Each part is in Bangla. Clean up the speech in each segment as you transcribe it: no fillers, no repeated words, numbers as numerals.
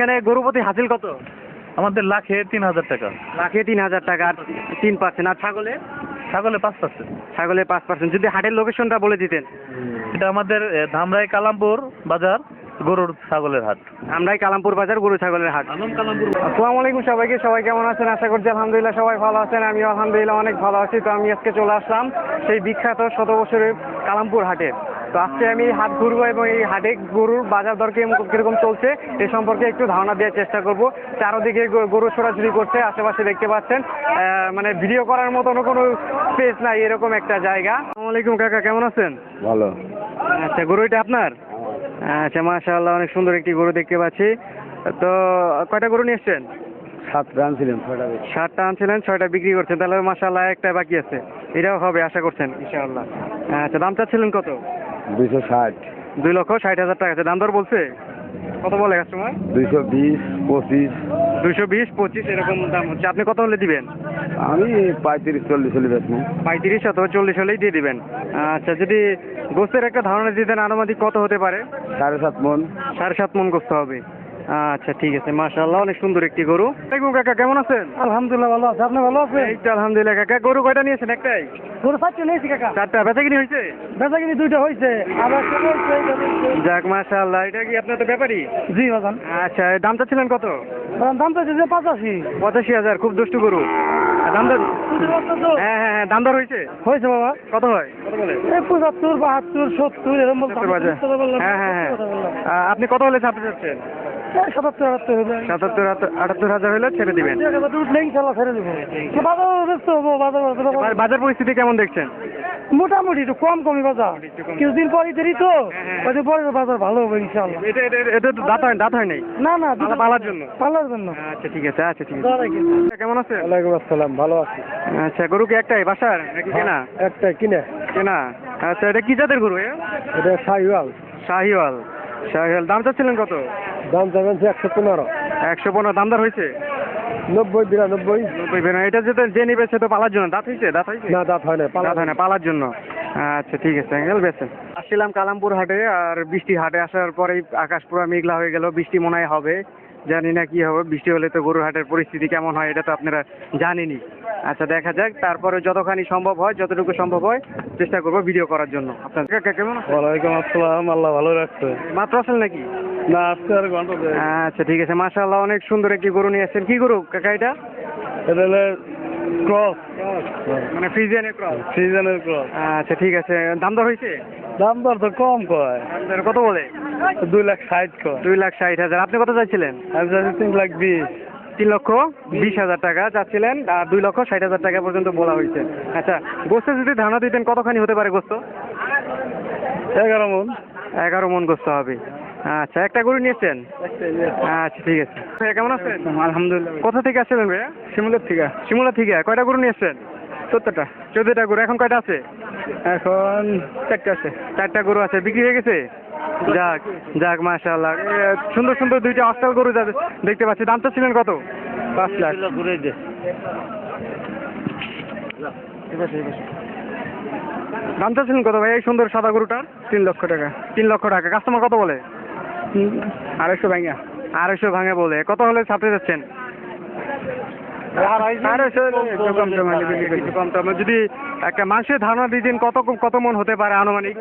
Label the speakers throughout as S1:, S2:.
S1: এখানে গরু প্রতি হাসিল কত?
S2: আমাদের লাখে 3,000 টাকা।
S1: লাখে 3,000 টাকা আর 3%। আর ছাগলে?
S2: ছাগলে 5%।
S1: ছাগলে 5%। যদি হাটের লোকেশনটা বলে দিতেন।
S2: এটা আমাদের ধামরাই কালামপুর বাজার গরুর ছাগলের হাট।
S1: আমরাই কালামপুর বাজার গরু ছাগলের হাট। আসসালামু আলাইকুম সবাইকে। সবাই কেমন আছেন? আশা করছি আলহামদুলিল্লাহ সবাই ভালো আছেন। আমিও আলহামদুলিল্লাহ অনেক ভালো আছি। তো আমি আজকে চলে আসলাম সেই বিখ্যাত 100 বছরের কালামপুর হাটে। তো আজকে আমি হাট ঘুরবো এবং এই হাটে গরুর বাজার দর কিরকম চলছে এ সম্পর্কে একটু ধারণা দেওয়ার চেষ্টা করব। চারদিকে গরু ছোড়াছুড়ি করছে, আশেপাশে দেখতে পাচ্ছেন মানে ভিডিও করার মতন কোনো স্পেস নাই, এরকম একটা জায়গা। আসসালামু আলাইকুম কাকা, কেমন আছেন?
S3: ভালো।
S1: আচ্ছা, গরু এটা আপনার? আচ্ছা, মাশাআল্লাহ, অনেক সুন্দর একটি গরু দেখতে পাচ্ছি। তো কয়টা গরু নিয়ে এসছেন?
S3: 7টা আনছিলেন, 6টা
S1: 7টা আনছিলেন, 6টা বিক্রি করছেন। তাহলে মাশাআল্লাহ একটা বাকি আছে, এটাও হবে আশা করছেন ইনশাআল্লাহ। আচ্ছা, দাম চাচ্ছিলেন কত?
S3: 260,
S1: 2,60,000 টাকা আছে। দাম দর বলছে কত বলে কাস্টমার?
S3: 220, 25।
S1: 220, 25 এরকম দাম হচ্ছে। আপনি কত হলে দিবেন?
S3: আমি 35-40 হলে বেচবো।
S1: 35 অথবা 40 হলেই দিয়ে দিবেন। আচ্ছা, যদি গোস্তের একটা ধারণা দিতেন আনুমানিক কত হতে পারে?
S3: 7.5 মন।
S1: 7.5 মন গোস্ত হবে। আচ্ছা, ঠিক আছে, মাশাআল্লাহ, অনেক সুন্দর একটি গরু। দেখুন কাকা, কেমন আছেন?
S4: আলহামদুলিল্লাহ ভালো আছে। আপনি ভালো আছেন?
S1: এই তো আলহামদুলিল্লাহ। কাকা, গরু কয়টা নিয়েছেন? একটাই?
S4: গরু 4টা নিয়েছি কাকা।
S1: 4টা বেচা কিনি হয়েছে?
S4: বেচা কিনি 2টা হয়েছে, আবার
S1: যাক মাশাআল্লাহ। এটা কি আপনার তো ব্যাপারই?
S4: জি বাজান।
S1: আচ্ছা, দাম চাচ্ছিলেন কত?
S4: দাম তো যে 85
S1: 85,000। খুব দুষ্টু গরু। দাম দর? হ্যাঁ হ্যাঁ হ্যাঁ, দাম দর হয়েছে?
S4: হয়েছে বাবা।
S1: কত হয়? কত বলে?
S4: এই 75, 72, 70 এরকম বলতাম।
S1: হ্যাঁ হ্যাঁ হ্যাঁ। আপনি কত হলে ছাড়তে চাচ্ছেন?
S4: 77, 78 হবে।
S1: 77-78 হলে ছেড়ে দিবেন।
S4: উঠলে ইনশাআল্লাহ ছেড়ে দেবো। বাজার ব্যস্ত হবো,
S1: বাজার পরিস্থিতি কেমন দেখছেন?
S4: মোটামুটি একটু কমই বাজার। কিছুদিন পরে দেরি তো, ওই পরে বাজার ভালো হবে ইনশাআল্লাহ।
S1: এটা তো দাঁত হয় নাই?
S4: না না,
S1: পালার জন্য।
S4: পালার জন্য।
S1: আচ্ছা, ঠিক আছে। আচ্ছা, ঠিক আছে। কেমন আছে?
S3: ওয়ালাইকুম আসসালাম, ভালো আছি।
S1: আচ্ছা, গরু কি একটাই বাসার নাকি কেনা?
S3: একটা কিনে।
S1: কেনা। আচ্ছা, এটা কি জাতের গরু?
S3: এটা শাহিওয়াল।
S1: শাহিওয়াল। শাহিওয়াল। দাম চাচ্ছিলেন কত?
S3: দাম চাবেন 115।
S1: 115। দাম দর হয়েছে?
S3: 90, 92।
S1: 90। এটা যে নিবে সে তো পালার জন্য। দাঁত হয়েছে?
S3: না, দাঁত হয় না,
S1: দাঁত হয় না, পালার জন্য। আচ্ছা, ঠিক আছে, বেছেন। আসছিলাম কালামপুর হাটে, আর বৃষ্টি হাটে আসার পরেই আকাশ পুরো মেঘলা হয়ে গেল। বৃষ্টি মনে হয় হবে, জানি না কি হবে। বৃষ্টি হলে তো গরুর হাটের পরিস্থিতি কেমন হয় এটা তো আপনারা জানেনই। আচ্ছা, দেখা যাক। তারপরে যতখানি সম্ভব হয়, যতটুকু সম্ভব হয় চেষ্টা করবো ভিডিও করার জন্য। আপনার কাকা কেমন আছে?
S3: ওয়ালাইকুম আসসালাম, আল্লাহ ভালো রাখছে।
S1: মাত্র আসেন নাকি?
S3: না, আজকে আর ঘন্টা দেয়।
S1: আচ্ছা, ঠিক আছে, মাশাআল্লাহ, অনেক সুন্দর একটি গরু নিয়ে আসছেন। কি গরু কাকা এটা?
S3: এটা হলো ক্রস,
S1: মানে ফ্রিজিয়ানের ক্রস।
S3: সিজনের ক্রস।
S1: আচ্ছা, ঠিক আছে। দাম দর হয়েছে?
S3: দাম দর তো কম কয়,
S1: দাম দর কত বলে?
S3: 2,60,000 কয়।
S1: 2,60,000। আপনি কত চাইছিলেন?
S3: আমি চাচ্ছি 3,20,000।
S1: 3,20,000 টাকা চাচ্ছিলেন, আর 2,60,000 টাকা পর্যন্ত বলা হয়েছে। আচ্ছা, গোস্ত যদি ধারণা দিতেন কতখানি হতে পারে গোস্ত?
S3: 11 মন।
S1: 11 মন গোস্ত হবে। আচ্ছা, একটা গরু নিয়েছেন? আচ্ছা, ঠিক আছে। ভাইয়া কেমন আছেন?
S3: আলহামদুলিল্লাহ।
S1: কোথা থেকে আসছিলেন ভাইয়া?
S3: শিমুলের থেকে।
S1: শিমুলা থেকে। কয়টা গরু নিয়েছেন?
S3: 14টা।
S1: 14টা গরু। এখন কয়টা আছে?
S3: এখন 4টা আছে।
S1: 4টা গরু আছে। বিক্রি হয়ে গেছে? যাক যাক, মাশাআল্লাহ। সুন্দর সুন্দর 2টা অস্টাল গরু দেখতে পাচ্ছি। দাম চাচ্ছিলেন কত?
S3: 5 লাখ।
S1: ঘুরে দে। দাম চাচ্ছিলেন কত ভাই এই সুন্দর সাদা গরুটার?
S3: 3 লক্ষ টাকা।
S1: 3 লক্ষ টাকা। কাস্টমার কত বলে?
S3: 250 ভাঙা।
S1: 250 ভাঙে বলে। কত হলে ছাপতে যাচ্ছেন?
S3: 250
S1: কম দামে। যদি একটা মাংসের ধারণা দিতেন কত মন হতে পারে আনুমানিক?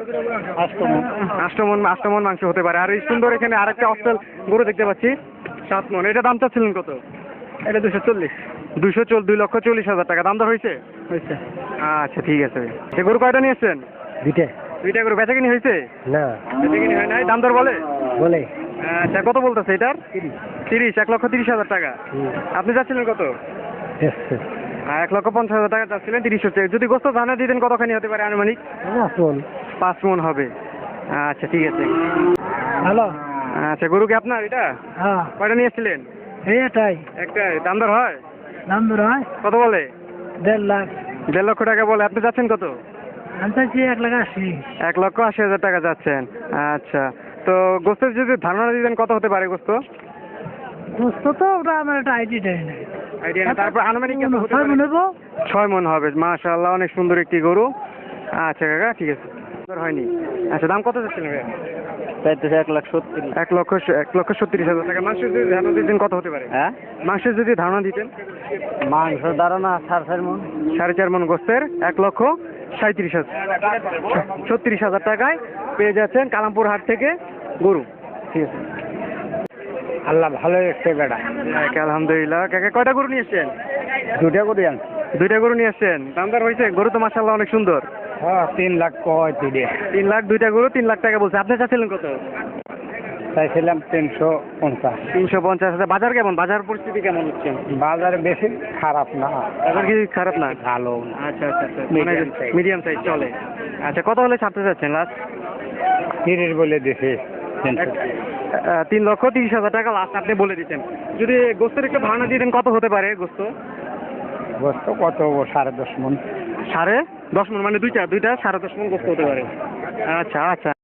S1: 8 মন মাংস হতে পারে। আর এই সুন্দর এখানে আরেকটা অস্ট্রেল গরু দেখতে পাচ্ছি 7 মন। এটা দাম চাচ্ছিলেন কত?
S3: এটা 240।
S1: 2,40,000 টাকা। দাম দর হয়েছে?
S3: হয়েছে।
S1: আচ্ছা, ঠিক আছে। সে গরু কয়টা নিয়েছেন? 2টা গরু। বেচা কিনি হয়েছে?
S3: না,
S1: বেচা কিনি হয় নাই। দাম দর বলে?
S3: বলে
S1: আচ্ছা, কত বলতেছে এটার? 30। 1,30,000 টাকা। আপনি যাচ্ছিলেন কত? 1,50,000 টাকা চাচ্ছিলেন। 30 হচ্ছে। যদি গোস্ত ধারণা দিতেন কতখানি হতে পারে আনুমানিক? 5 মন হবে। আচ্ছা, ঠিক আছে।
S4: হ্যালো।
S1: আচ্ছা, গরু কি আপনার এটা?
S4: হ্যাঁ,
S1: কয়টা নিয়েছিলেন?
S4: এটাই
S1: একটাই। দাম দর হয়?
S4: দাম ধর হয়
S1: কত বলে?
S4: 1.5 লাখ।
S1: 1.5 লক্ষ টাকা বলে। আপনি যাচ্ছেন কত?
S4: আমি চাইছি 1,80,000।
S1: 1,80,000 টাকা যাচ্ছেন। আচ্ছা, তো গোস্তের যদি ধারণা দিতেন কত হতে পারে গোস্ত?
S4: দোস্ত তো ওটা আমার একটা আইডিয়াটাই নেই।
S1: আইডিয়া না। তারপর আনুমানিক কত হতে
S4: 6
S1: পারে?
S4: মন হবো।
S1: 6 মন হবে। মাশাআল্লাহ, অনেক সুন্দর একটি গরু। আচ্ছা কাকা, ঠিক আছে। সুন্দর হয়নি। আচ্ছা, দাম কত যাচ্ছেন ভাইয়া?
S3: চাইতেছে 1,70,000।
S1: 1,70,000 টাকা। মাংসের যদি ধারণা দিতেন কত হতে পারে?
S3: হ্যাঁ,
S1: মাংসের যদি ধারণা দিতেন?
S3: মাংস ধারণা 4.5 মণ।
S1: 4.5 মণ গোস্তের 1,37,000 36,000 টাকায় পেয়ে যাচ্ছেন কালামপুর হাট থেকে গরু। ঠিক আছে,
S3: আল্লাহ ভালো এসছে বেটা।
S1: আলহামদুলিল্লাহ। কাকা কয়টা গরু নিয়ে এসছেন?
S3: 2টা করে আনছি।
S1: 2টা গরু নিয়ে এসছেন। দামদার হয়েছে? গরু তো মাশাআল্লাহ অনেক সুন্দর।
S3: হ্যাঁ, 3 লাখ কয় দিলে।
S1: 3 লাখ, 2টা গরু 3 লাখ টাকা বলছে। আপনি চাচ্ছিলেন কত?
S3: চাইছিলাম 350।
S1: 350,000। বাজার কেমন? বাজার পরিস্থিতি কেমন হচ্ছে?
S3: বাজার বেশি খারাপ না,
S1: বাজার কি খারাপ না?
S3: ভালো না।
S1: আচ্ছা আচ্ছা আচ্ছা,
S3: Medium size।
S1: মিডিয়াম সাইজ চলে। আচ্ছা, কত হলে ছাড়তে চাচ্ছেন লাস্ট?
S3: 30 বলে দিছে।
S1: 3,30,000 টাকা লাস্ট আপনি বলে দিচ্ছেন। যদি গোস্তের একটু ধারণা দিতেন কত হতে পারে গোস্ত?
S3: গোস্ত কত? 10.5 মণ।
S1: 10.5 মণ মানে দুইটা 10.5 মণ গোস্ত হতে পারে। আচ্ছা আচ্ছা।